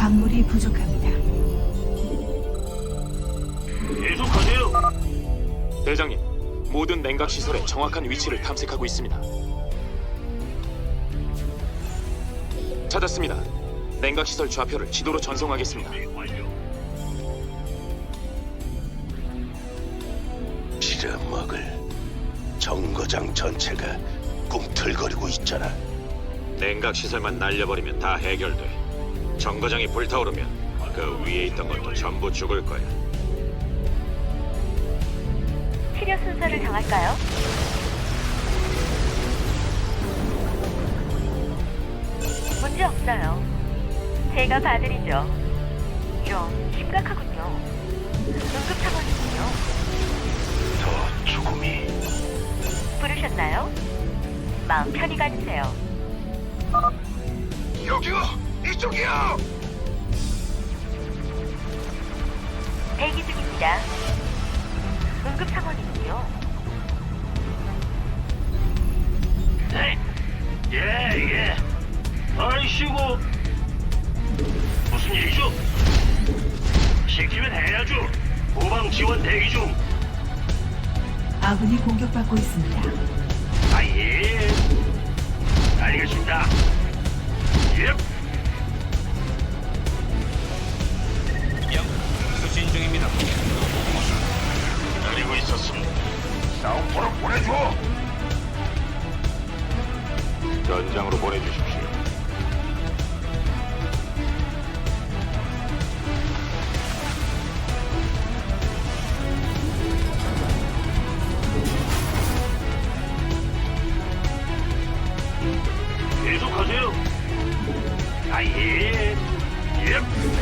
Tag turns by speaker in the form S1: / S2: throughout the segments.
S1: 광물이 부족합니다.
S2: 계속하세요. 대장님, 모든 냉각 시설의 정확한 위치를 탐색하고 있습니다. 찾았습니다. 냉각 시설 좌표를 지도로 전송하겠습니다.
S3: 빌어먹을 정거장 전체가 꿈틀거리고 있잖아.
S4: 냉각 시설만 날려버리면 다 해결돼. 정거장이 불타오르면 그 위에 있던 것도 전부 죽을 거야.
S5: 치료 순서를 정할까요? 문제 없어요. 제가 봐드리죠. 이런 심각하군요. 응급 상황이군요.
S3: 더 죽음이.
S5: 부르셨나요? 마음 편히 가주세요.
S3: 여기요! 이쪽이요!
S5: 대기 중입니다. 응급 상황이군요.
S2: 네. 예. 아이씨고. 무슨 일이죠? 시키면 해야죠. 후방 지원 대기 중.
S1: 아군이 공격받고 있습니다.
S2: 아, 예. 알겠습니다. 예. 수신 중입니다. 기다리고 있었습니다. 싸움포로 보내줘.
S4: 전장으로 보내주십시오.
S2: 계속하세요. 아, 예. 예.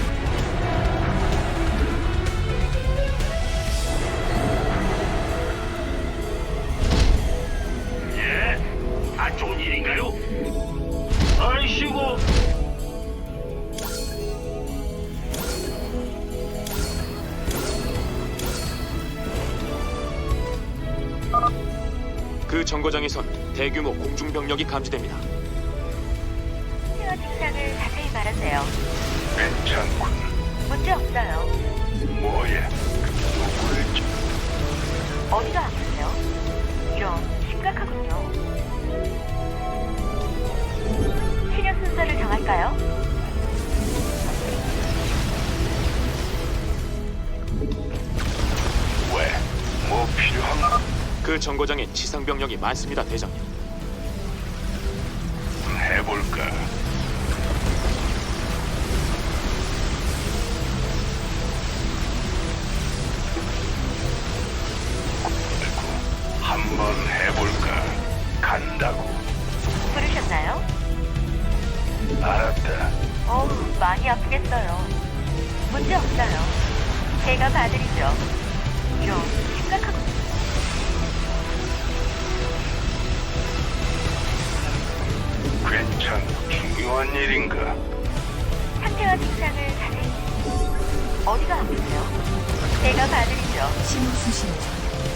S2: 예. 안 좋은 일인가요? 아이씨고. 그 정거장에선 대규모 공중병력이 감지됩니다.
S5: 치료 증상을 자세히 말하세요.
S3: 괜찮군.
S5: 문제 없어요.
S3: 뭐야? 누굴
S5: 어디가 아프세요? 이런 심각하군요. 치료 순서를 정할까요?
S3: 왜? 뭐 필요한가?
S2: 그 정거장에 지상병력이 많습니다, 대장님.
S3: 해볼까? 한번 해볼까? 간다고.
S5: 부르셨나요?
S3: 알았다.
S5: 어우, 많이 아프겠어요. 문제 없어요. 제가 봐드리죠. 이런 심각하군요.
S3: 중요한 일인가?
S5: 상태와 증상을 자세히. 어디가 아프세요? 제가 봐드리죠.
S1: 신호 수신 중.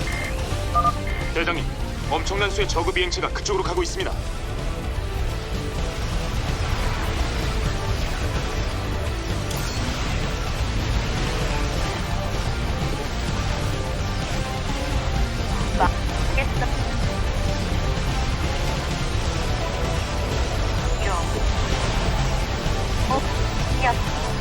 S2: 대장님, 엄청난 수의 저그 비행체가 그쪽으로 가고 있습니다.
S5: 막겠어. 야.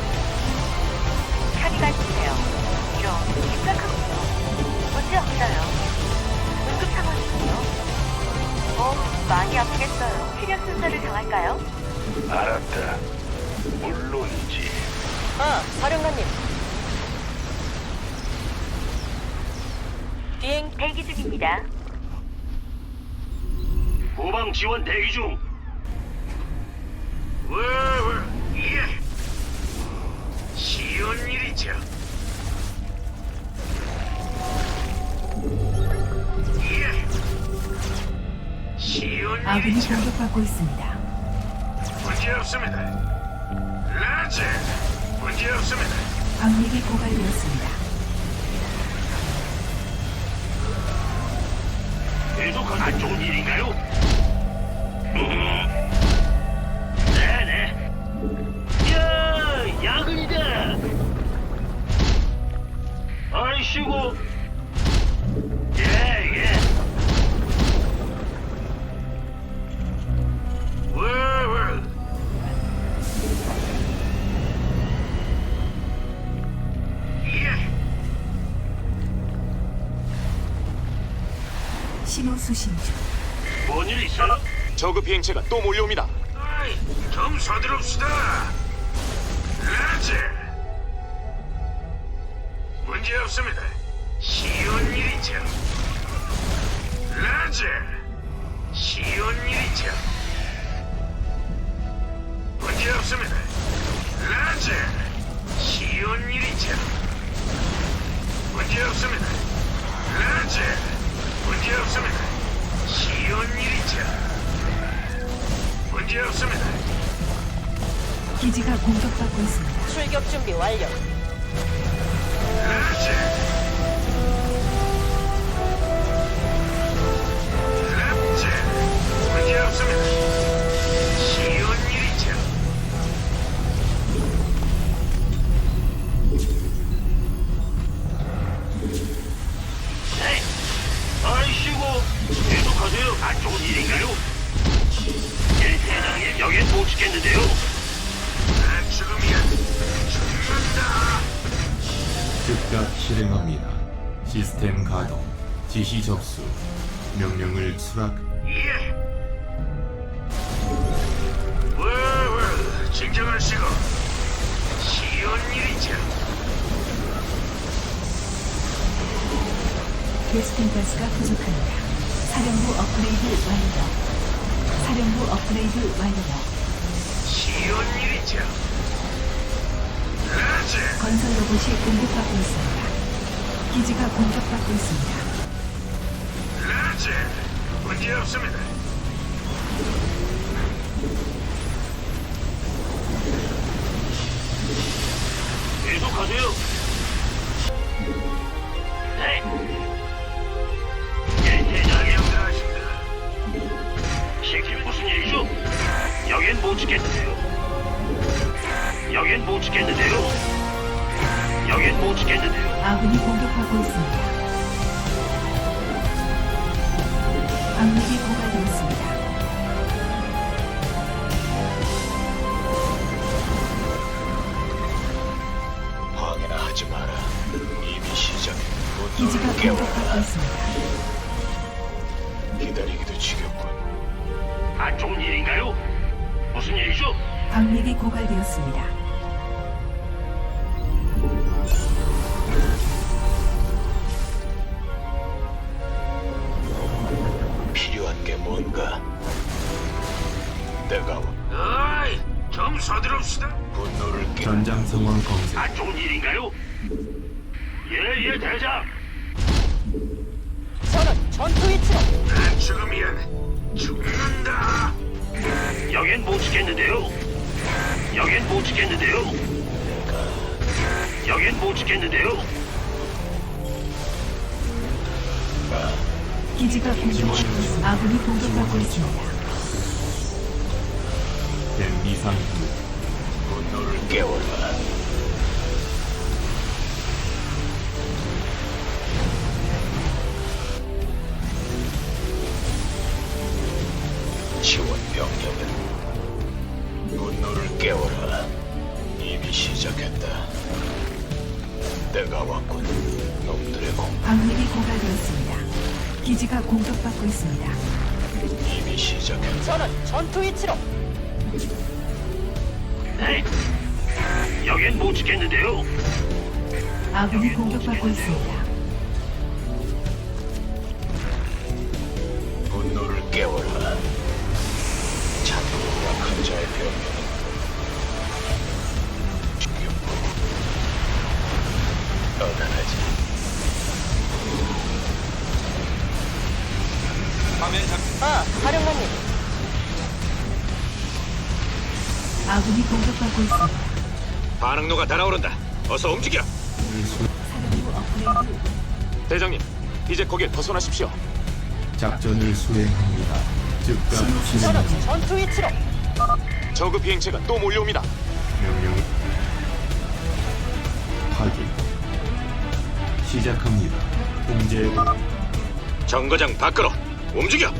S5: 편히 가주세요. 이런 심각하군요. 문제 없어요. 응급 상황이군요. 많이 아프겠어요. 치료 순서를 정할까요?
S3: 알았다. 물론이지.
S5: 사령관님. 비행 대기 중입니다.
S2: 후방 지원 대기 중. 예. 쉬운 일이죠. 예. 쉬운
S1: 아군이
S2: 일이죠.
S1: 공격받고 있습니다.
S2: 문제 없습니다. 라즈, 문제 없습니다.
S1: 광맥이 고갈되었습니다.
S2: 계속하세요. 안 좋은 일인가요? 네네. 야, 약
S1: 수신 중.
S3: 뭔일 있어요?
S2: 저그 비행체가 또 몰려옵니다.
S3: 아이, 좀 서두릅시다. 라제. 문제 없습니다. 쉬운 일이죠. 라제. 쉬운 일이죠. 문제 없습니다. 라제. 쉬운 일이죠. 문제 없습니다. 라제. 문제 없습니다. 쉬운 일이죠. 문제 없습니다.
S1: 기지가 공격받고 있습니다.
S5: 출격 준비 완료.
S3: 라제. 라제. 문제 없습니다. 쉬운 일이죠. 네. 아이씨고 계속하세요. 안 좋은 일인가요? 예, 대장님 여긴 못 지켰는데요. 아, 지금이야. 죽는다.
S6: 즉각 실행합니다. 시스템 가동, 지시 접수, 명령을 수락.
S3: 예. 와, 진정하시고. 쉬운 일이죠.
S1: 베스킨 가스가 부족합니다. 사령부 업그레이드 완료. 사령부 업그레이드 완료.
S3: 쉬운 일이죠. 라제.
S1: 건설 로봇이 공격받고 있습니다. 기지가 공격받고 있습니다.
S3: 라제. 문제 없습니다. 계속하세요. 네. 예, 대장이 응답하십니다. 시킬 무슨 일이죠? 여긴 못 지켰는데요. 여긴 못 지켰는데요. 여긴 못 지켰는데요.
S1: 아군이 공격받고 있습니다. 방력이 고갈되었습니다.
S3: 방해나 하지 마라. 이미 시작해.
S1: 기지가 공격받고 있습니다.
S3: 기다리기도 지겹군. 안 좋은 일인가요? 무슨 일이죠?
S1: 방력이 고갈되었습니다.
S3: 필요한 게 뭔가? 내가 어이, 좀 서두릅시다. 분노를 깨.
S6: 전장 상황 검색.
S3: 안 좋은 일인가요? 예, 대장.
S5: 저는 전투 위치로.
S3: 안 죽으면 죽는다. 여긴 못 지켰는데요. 여긴 못 지켰는데요. 여긴 못 지켰는데요.
S1: 기지가 공격받고 있습니다. 아군이 공격받고 있습니다.
S6: 댐 이상
S3: 분노를 깨워라. 지원 병력은 분노를 깨워라. 이미 시작했다. 내가 왔군. 놈들의 공
S1: 방력이 고갈되었습니다. 기지가 공격받고 있습니다.
S3: 이미 시작했다.
S5: 저는 전투 위치로.
S3: 네. 여긴 못 지켰는데요.
S1: 아군이 공격받고 있습니다.
S3: 분노를 깨워라. 찬물과 큰 자의 병력은 죽였고 떠나가지.
S5: 사령관님.
S1: 아군이 공격받고 있습니다.
S4: 반응로가 달아오른다. 어서 움직여.
S1: 사령부 업그레이드.
S2: 대장님, 이제 거기에 벗어나십시오.
S6: 작전을 수행합니다. 즉각
S5: 저는
S6: 실행합니다.
S5: 전투 위치로.
S2: 저그 비행체가 또 몰려옵니다.
S6: 명령 확인. 시작합니다. 통제
S4: 정거장 밖으로 움직여.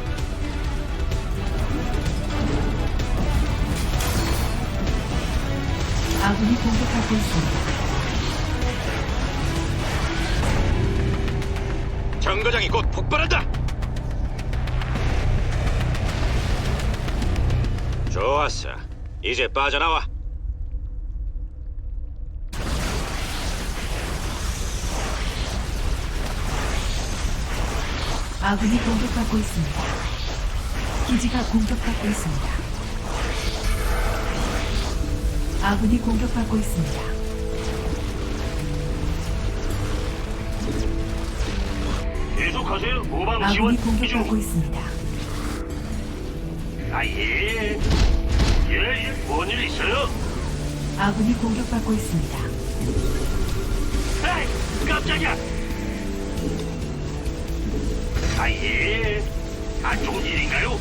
S1: 아군이 공격받고 있습니다.
S4: 정거장이 곧 폭발한다. 좋았어. 이제 빠져나와.
S1: 아군이 공격받고 있습니다. 기지가 공격받고 있습니다. 아군이 공격받고 있습니다.
S3: 계속하세요. 후방
S1: 아군이
S3: 지원
S1: 공격받고
S3: 중.
S1: 있습니다.
S3: 예. 뭔일 있어요?
S1: 아군이 공격받고 있습니다.
S3: 에이, 깜짝이야. 예. 안 좋은 일인가요?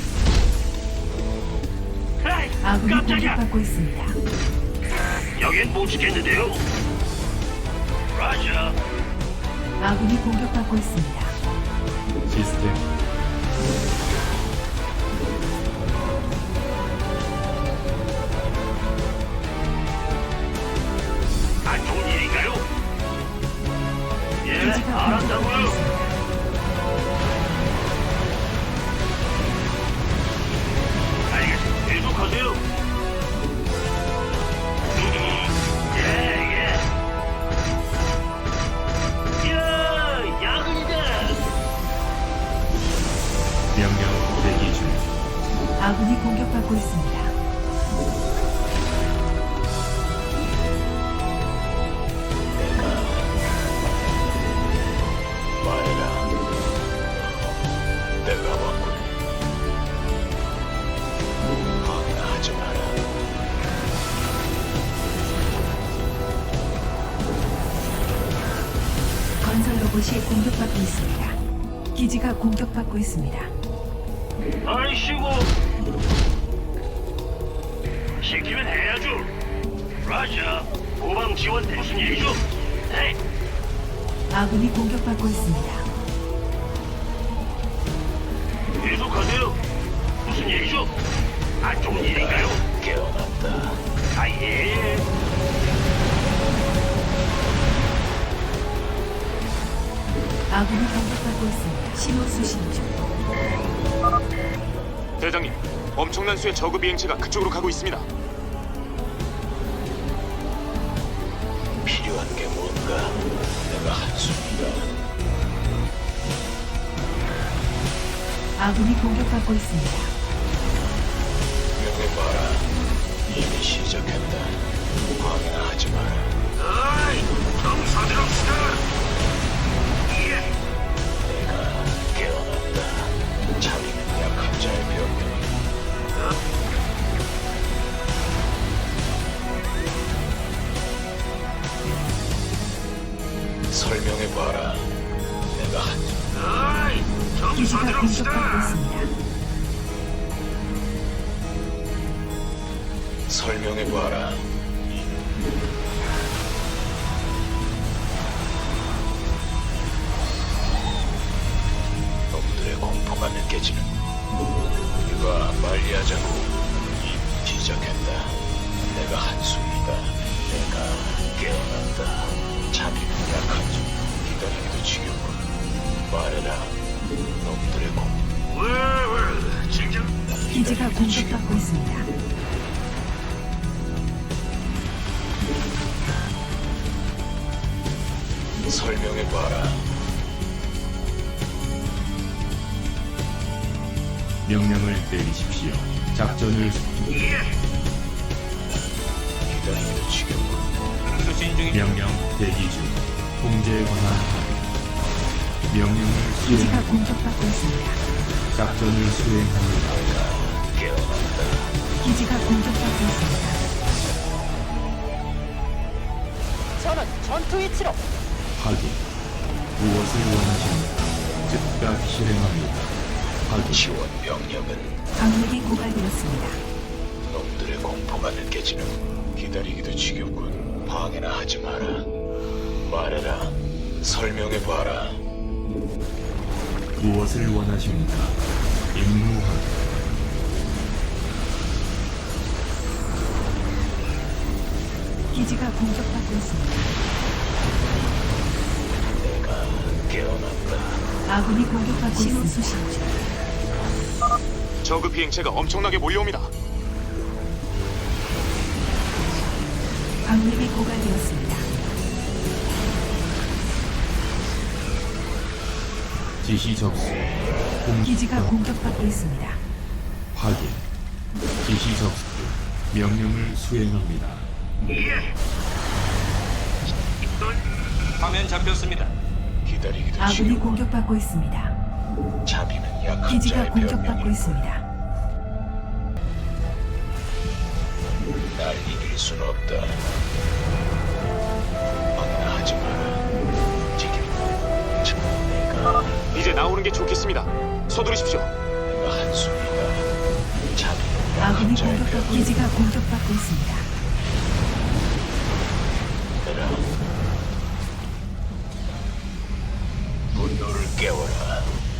S3: 에이,
S1: 아군이
S3: 깜짝이야.
S1: 공격받고 있습니다.
S3: 여긴 못 지켰는데요. 라자.
S1: 아군이 공격받고 있습니다.
S6: 시스템
S3: 안 좋은 일인가요? 예,
S1: 기지가 공격받고
S3: 알았다고요.
S1: 있습니다.
S3: 알겠습니다. 계속하세요. 예. 야근이다.
S6: 명령 대기 중.
S1: 아군이 공격받고 있습니다.
S3: 말해라. 내가 왔군. 방해하지 마라.
S1: 건설 로봇이 공격받고 있습니다. 기지가 공격받고 있습니다.
S3: 아이씨고. 시키면 해야죠. 라자. 후방 지원 무슨 일이죠? 네.
S1: 아군이 공격받고 있습니다.
S3: 계속하세요. 무슨 일이죠? 안 좋은 일인가요? 깨어났다. 예.
S1: 아군이 공격받고 있습니다. 신호 수신 중.
S2: 대장님, 엄청난 수의 저그 비행체가 그쪽으로 가고 있습니다.
S3: 필요한 게 뭔가? 내가 한숨이다.
S1: 아군이 공격받고 있습니다.
S3: 명해봐라. 이미 시작했다. 방해나 하지 마라. 어이! 좀 서두릅시다! 예! 내가 깨어났다. 잠이면 약한 자의 병명이. 설명해봐라. 내가 한... 어이! 좀
S1: 기지가 공격받고
S3: 서두릅시다!
S1: 있습니다.
S3: 설명해봐라. 놈들의 공포가 느껴지는. 우리가 빨리 하자고. 이미 시작했다. 내가 한숨이다. 내가 깨어났다. 잠이 약하지. 기다리기도 지겹군. 말해라. 놈들의 공포. 왜? 진정?
S1: 기지가 공격받고 있습니다.
S3: 설명해봐라.
S6: 명령을 내리십시오. 작전을
S3: 기다리기도 지겹군.
S6: 명령 대기 중. 통제에 관한 합의. 명령을
S1: 기지가
S6: 수행.
S1: 공격받고 있습니다.
S6: 작전을 수행합니다.
S3: 깨어났다.
S1: 기지가 공격받고 있습니다.
S5: 저는 전투 위치로.
S6: 확인. 무엇을 원하십니까? 즉각 실행합니다. 확인.
S3: 지원 병력은
S1: 강력이 고갈되었습니다.
S3: 놈들의 공포가 느껴지는. 기다리기도 지겹군. 방해나 하지 마라. 말해라. 설명해봐라.
S6: 무엇을 원하십니까? 임무 확인.
S1: 기지가 공격받고 있습니다.
S3: 내가 깨어났다.
S1: 아군이 공격받고 있습니다. 수신 중.
S2: 저그 비행체가 엄청나게 몰려옵니다.
S1: 광맥이 고갈되었습니다.
S6: 지시 접수.
S1: 기지가 공격받고 있습니다.
S6: 확인. 지시 접수. 명령을 수행합니다.
S3: 예.
S7: 화면 잡혔습니다.
S3: 기다리기도
S1: 아군이
S3: 지루한
S1: 공격받고 있습니다.
S3: 자비는 약한
S1: 기지가
S3: 자의
S1: 공격받고
S3: 변명이
S1: 있습니다.
S3: 날 이길 순 없다. 방해나 하지 마라. 지금 내가
S2: 이제 나오는 게 좋겠습니다. 서두르십시오.
S3: 내가 한숨이다. 자비는
S1: 아군이
S3: 약한 자의
S1: 공격받고
S3: 변명이
S1: 기지가 공격받고 있습니다.
S3: 되라. 분노를 깨워라.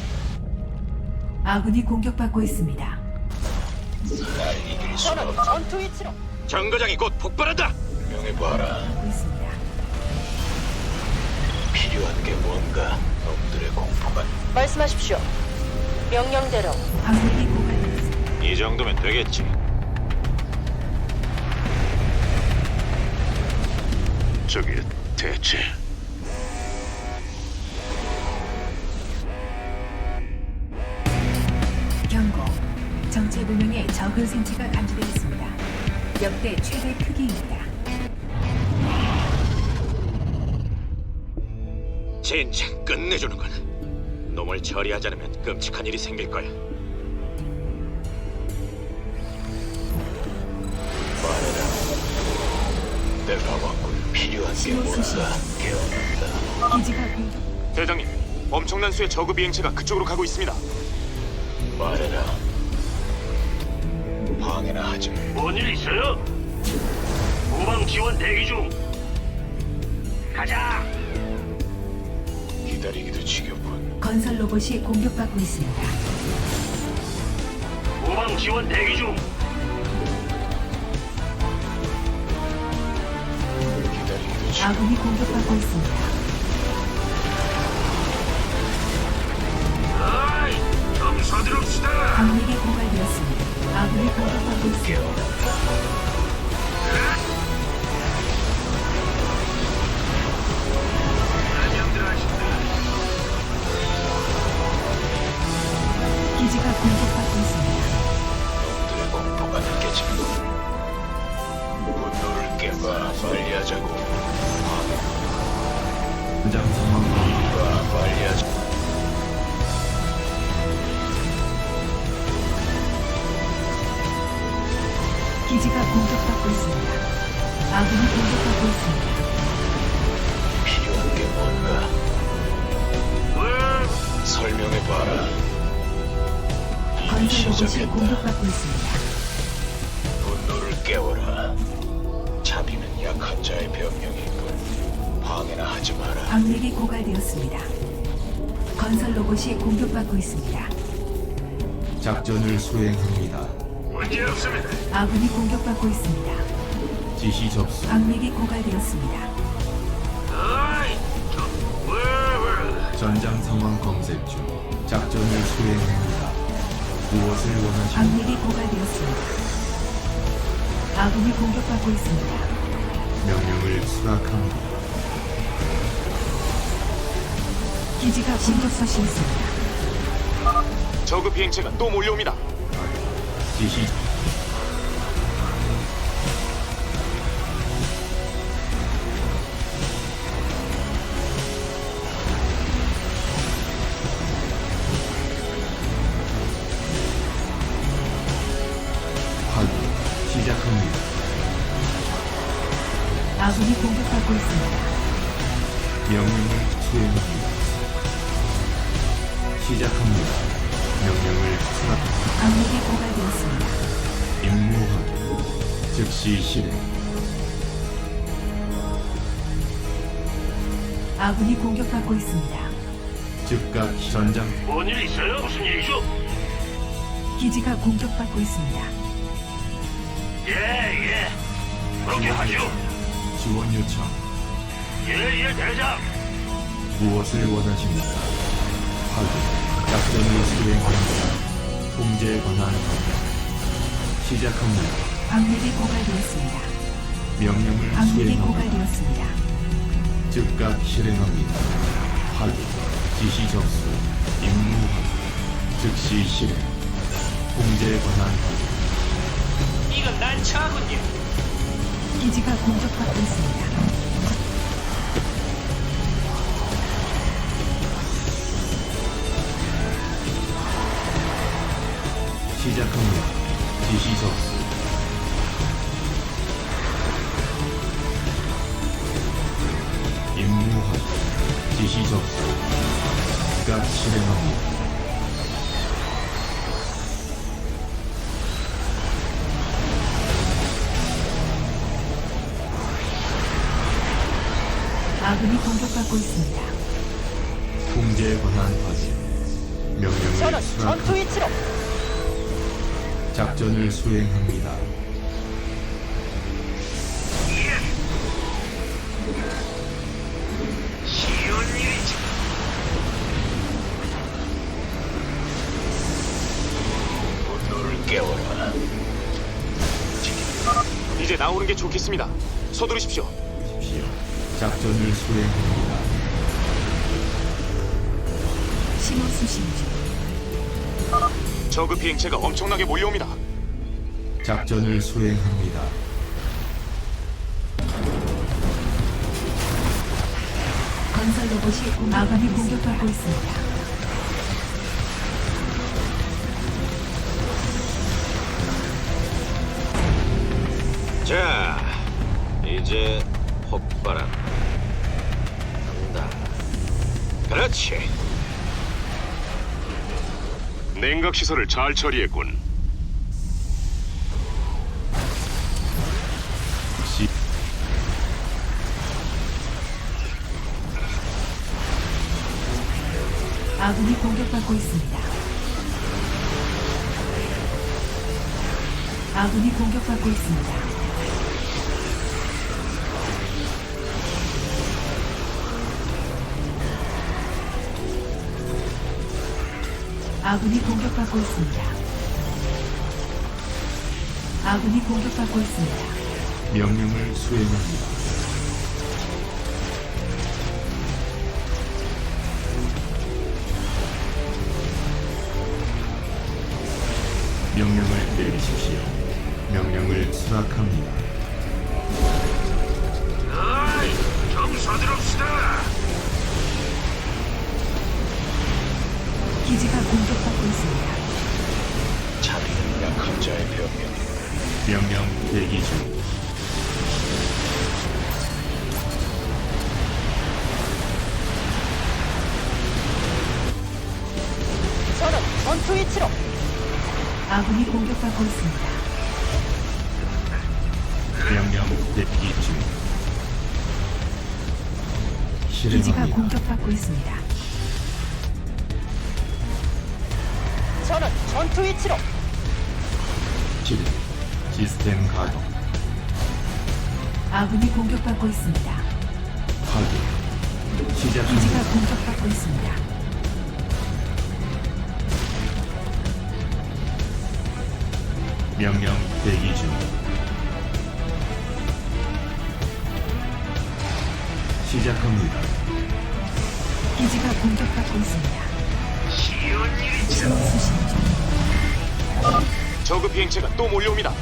S1: 아군이 공격받고 있습니다.
S3: 날 이길 순
S5: 전원
S3: 없다.
S5: 전투 위치로.
S4: 정거장이 곧 폭발한다.
S3: 명해봐라.
S1: 하고 있습니다.
S3: 필요한 게 뭔가? 놈들의 공포가
S5: 말씀하십시오. 명령대로.
S1: 광맥이 고갈되었습니다.
S4: 이 정도면 되겠지.
S3: 저게 대체
S1: 경고. 정체불명의 적은 생체가 감지되었습니다. 역대 최대 크기입니다.
S4: 진짜 끝내주는군. 놈을 처리하지 않으면 끔찍한 일이 생길 거야.
S3: 말해라. 내가 왔군. 필요한 게 뭔가? 깨어난다.
S1: 기지가 공격.
S2: 대장님, 엄청난 수의 저그 비행체가 그쪽으로 가고 있습니다.
S3: 말해라. 방해나 하지 마.
S7: 뭔일 있어요? 후방 지원 대기 중. 가자.
S3: 기다리기도 지겹군.
S1: 건설 로봇이 공격받고 있습니다.
S7: 후방 지원 대기 중.
S3: 기다리기도 지겹군.
S1: 아군이 공격받고 있습니다.
S7: 아이, 좀 서두릅시다.
S1: 광맥이 고갈되었습니다. 아군이 공격받고 있습니다.
S7: 안녕들 하신다.
S1: 기지가 공격받고 있습니다.
S3: 놈들의 공포가 느껴지고. 분노를 깨봐. 빨리 하자고.
S6: 현장 상황 확인.
S3: 빨리 하자.
S1: 기지가 공격받고 있습니다. 아군이 공격받고 있습니다.
S3: 필요한 게 뭔가? 설명해봐라.
S1: 건설 로봇이
S3: 시작했다.
S1: 공격받고 있습니다.
S3: 분노를 깨워라. 자비는 약한 자의 변명이군. 방해나 하지 마라.
S1: 광맥이 고갈되었습니다. 건설 로봇이 공격받고 있습니다.
S6: 작전을 수행합니다.
S7: 문제 없습니다.
S1: 아군이 공격받고 있습니다.
S6: 지시 접수.
S1: 광맥이 고갈되었습니다.
S7: 아이, 왜?
S6: 전장 상황 검색 중. 작전을 수행합니다. 무엇을 원하십니까?
S1: 광맥이 고갈되었습니다. 아군이 공격받고 있습니다.
S6: 명령을 수락합니다.
S1: 기지가 공격받고 있습니다.
S2: 저그 비행체가 또 몰려옵니다.
S6: 지시 확인. 시작합니다.
S1: 아군이 공격받고 있습니다.
S6: 명령을 수행합니다. 시작합니다. 명령을 수락.
S1: 광맥이 고갈되었습니다.
S6: 임무 확인. 즉시 실행.
S1: 아군이 공격받고 있습니다.
S6: 즉각 전장.
S7: 뭔일 있어요? 무슨 일이죠?
S1: 기지가 공격받고 있습니다.
S7: 예. 그렇게 하죠.
S6: 지원 요청.
S7: 예, 대장.
S6: 무엇을 원하십니까? 확인. 작전을 수행합니다. 통제 권한 시작합니다.
S1: 광맥이 고갈되었습니다.
S6: 명령을
S1: 광맥이
S6: 수행합니다.
S1: 고갈되었습니다.
S6: 즉각 실행합니다. 확인, 지시 접수, 임무 확인, 즉시 실행, 공제 권한 확인.
S7: 이건 난처하군요.
S1: 기지가 공격받고 있습니다.
S6: 시작합니다. 지시 접수. 임무 확인, 지시 접수, 즉각 실행합니다.
S1: 아군이 공격받고 있습니다.
S6: 공제 권한 확인. 명령을
S5: 저는 전투
S6: 수락합니다.
S5: 위치로.
S6: 작전을 수행합니다.
S3: 쉬운 일이지. 분노를 깨워라.
S2: 이제 나오는 게 좋겠습니다. 서두르십시오.
S6: 보십시오. 작전을 수행합니다.
S1: 신호 수신 중.
S2: 저급 비행체가 엄청나게 몰려옵니다.
S6: 작전을 수행합니다.
S1: 건설 로봇이 아군이 공격받고 있습니다.
S4: 자, 이제 폭발한 간다. 그렇지.
S3: 냉각 시설을 잘 처리했군.
S6: 시
S1: 아군이 공격받고 있습니다. 아군이 공격받고 있습니다. 아군이 공격받고 있습니다. 아군이 공격받고 있습니다.
S6: 명령을 수행합니다. 명령을 내리십시오. 명령을 수락합니다.
S3: 아이, 좀 서두릅시다.
S1: 기지가 공격받고 있습니다.
S3: 자비는 약한 자의 병명.
S6: 명령 대기 중.
S5: 저는 전투 위치로.
S1: 아군이 공격받고 있습니다.
S6: 명령 대기 중.
S1: 기지가
S6: 실행합니다.
S1: 공격받고 있습니다.
S5: 저는 전투 위치로.
S6: 실행. 시스템 가동.
S1: 아군이 공격받고 있습니다.
S6: 확인.
S1: 기지가
S6: 시작합니다.
S1: 공격받고 있습니다.
S6: 명령 대기 중. 시작합니다.
S1: 기지가 공격받고 있습니다.
S3: 쉬운 일이지.
S1: 신호 수신 중.
S2: 저급 비행체가 또 몰려옵니다.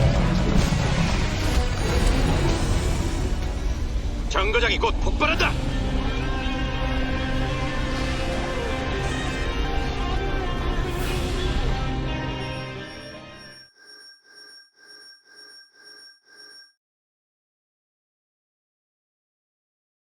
S4: 정거장이 곧 폭발한다.